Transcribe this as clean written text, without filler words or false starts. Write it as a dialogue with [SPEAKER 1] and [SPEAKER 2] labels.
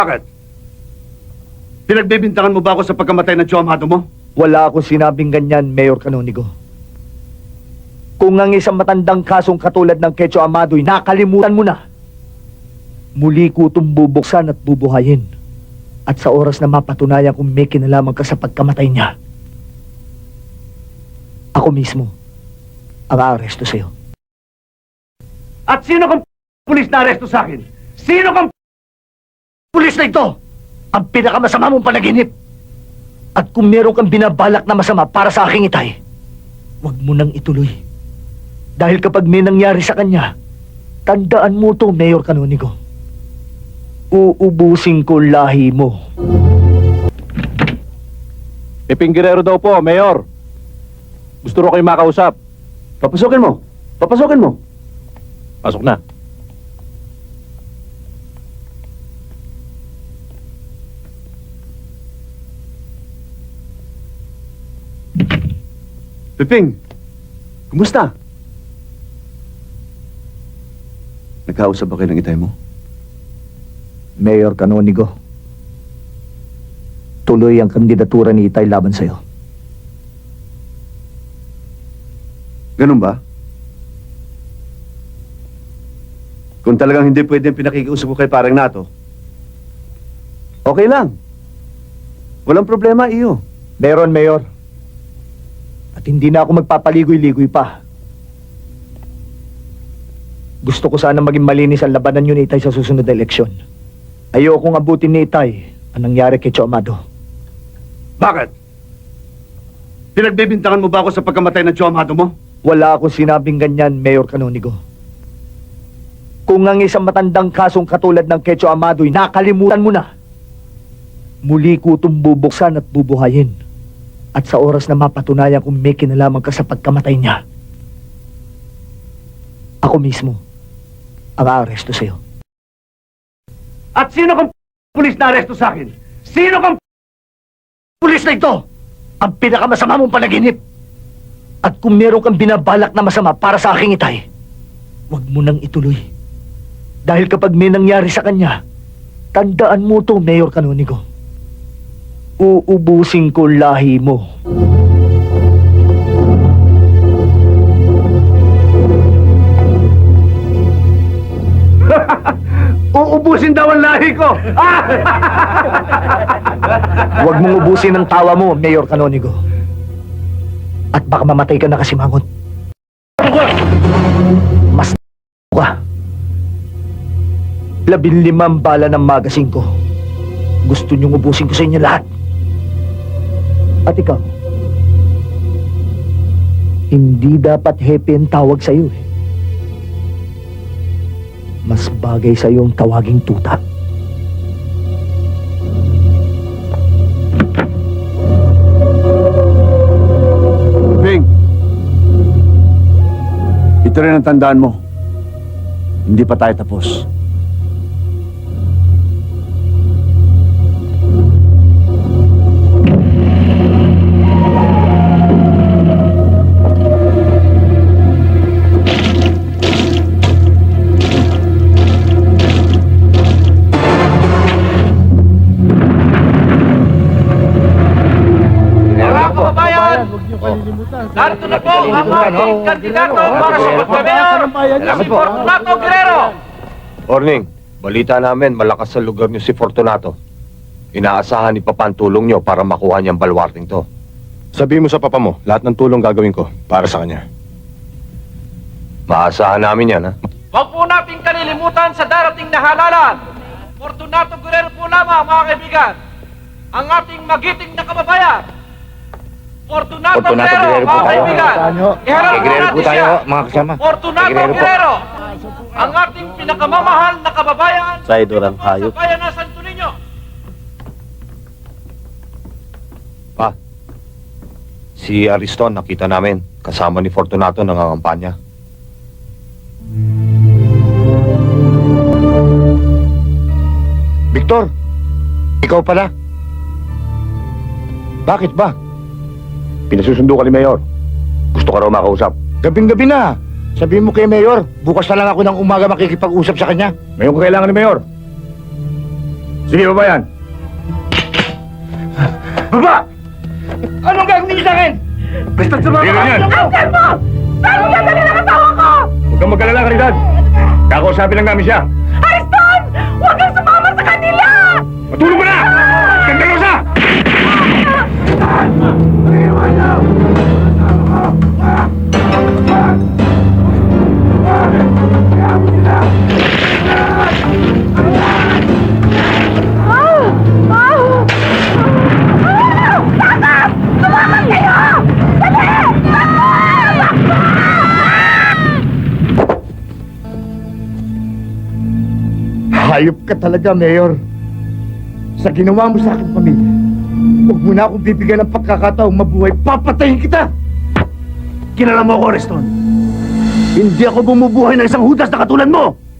[SPEAKER 1] Bakit? Pinagbibintangan mo ba ako sa pagkamatay ng Joe Amado mo?
[SPEAKER 2] Wala akong sinabing ganyan, Mayor Canonigo. Kung ang isang matandang kasong katulad ng Quecho Amado'y nakalimutan mo na, muli ko itong bubuksan at bubuhayin. At sa oras na mapatunayan kung may kinalaman ka sa pagkamatay niya, ako mismo ang aaresto sa'yo.
[SPEAKER 1] At sino kang pulis na aresto sa akin? Sino kang pulis na ito? Ang pinakamasama mong panaginip.
[SPEAKER 2] At kung meron kang binabalak na masama para sa aking itay, huwag mo nang ituloy. Dahil kapag may nangyari sa kanya, tandaan mo to, Mayor Canonigo. Uubusin ko lahi mo.
[SPEAKER 3] Piping Guerrero daw po, Mayor. Gusto ro kayo makausap.
[SPEAKER 1] Papasukin mo. Papasukin mo.
[SPEAKER 3] Pasok na.
[SPEAKER 1] Piping, kumusta? Nagkausap ba kayo ng itay mo?
[SPEAKER 2] Mayor Canonigo, tuloy ang kandidatura ni Itay laban sa'yo.
[SPEAKER 1] Ganun ba? Kung talagang hindi pwedeng pinakikiusap ko kay parang nato, okay lang. Walang problema, iyo.
[SPEAKER 2] Meron, Mayor. At hindi na ako magpapaligoy-ligoy pa. Gusto ko sana maging malinis ang labanan yun ni Itay sa susunod na eleksyon. Ayokong abutin ni Itay ang nangyari kay Cho Amado.
[SPEAKER 1] Bakit? Pinagbibintangan mo ba ako sa pagkamatay ng Joe Amado mo?
[SPEAKER 2] Wala akong sinabing ganyan, Mayor Canonigo. Kung ang isang matandang kasong katulad ng Quecho Amado'y nakalimutan mo na, muli ko itong bubuksan at bubuhayin. At sa oras na mapatunayan kung may kinalaman ka sa pagkamatay niya, ako mismo ang aaresto sa'yo.
[SPEAKER 1] At sino kang pulis na aresto sa akin? Sino kang pulis na ito?
[SPEAKER 2] Ang pinakamasama mong panaginip. At kung meron kang binabalak na masama para sa aking itay, huwag mo nang ituloy. Dahil kapag may nangyari sa kanya, tandaan mo to, Mayor Canonigo. Uubusin ko lahi mo.
[SPEAKER 1] Uubusin daw ang lahi ko!
[SPEAKER 2] Huwag mong ubusin ang tawa mo, Mayor Canonigo. At baka mamatay ka na kasimangot. Mas ka. 15 bala ng magasin ko. Gusto niyong ubusin ko sa inyo lahat. At ikaw, hindi dapat happy ang tawag sa iyo. Mas bagay sa iyo ang tawaging tuta.
[SPEAKER 1] Bing, ito rin ang tandaan mo. Hindi pa tayo tapos.
[SPEAKER 4] Narito na po ang ating kandidato para sa pagka-mayor, si Fortunato Guerrero.
[SPEAKER 3] Morning. Balita namin, malakas sa lugar niyo si Fortunato. Inaasahan ni Papa ang tulong niyo para makuha niyang balwarting to. Sabihin mo sa Papa mo, lahat ng tulong gagawin ko para sa kanya. Maasahan namin yan, ha?
[SPEAKER 4] Huwag po nating kalilimutan sa darating na halalan. Fortunato Guerrero po lamang, mga kaibigan, ang ating magiting na kababayan. Fortunato Guerrero, mga kaibigan. Iharap po natin siya.
[SPEAKER 3] mga kasama.
[SPEAKER 4] Fortunato Guerrero, ang ating pinakamamahal na kababayan
[SPEAKER 3] Sa idurang hayop.
[SPEAKER 4] sa bayan ng Santo Niño.
[SPEAKER 3] Pa, si Ariston nakita namin. Kasama ni Fortunato nangangampanya.
[SPEAKER 5] Victor, ikaw pala. Bakit ba?
[SPEAKER 3] Pinasusundo ka ni Mayor. Gusto ka raw makausap.
[SPEAKER 5] Gabing-gabi na. Sabihin mo kay Mayor, bukas na lang ako ng umaga makikipag-usap sa kanya.
[SPEAKER 3] Ngayon kailangan ni Mayor.
[SPEAKER 1] Sige, baba yan. Baba! Anong gagawin niyo sa akin? Basta sumama ka!
[SPEAKER 6] Uncle mo! Saan mo dadalhin ang asawa ko?
[SPEAKER 1] Huwag kang mag-alala, Caridad. Kakausapin lang namin siya.
[SPEAKER 6] Ariston! Huwag kang sumama sa kanila!
[SPEAKER 1] Matulog ka na! Skandalosa!
[SPEAKER 5] Hayop ka talaga, Mayor. Sa ginawa mo sa akin, pamilya, huwag mo na akong bibigyan ng pagkakataong mabuhay. Papatayin kita!
[SPEAKER 1] Kilala mo ako, Ariston. Hindi ako bumubuhay ng isang hudas na katulad mo!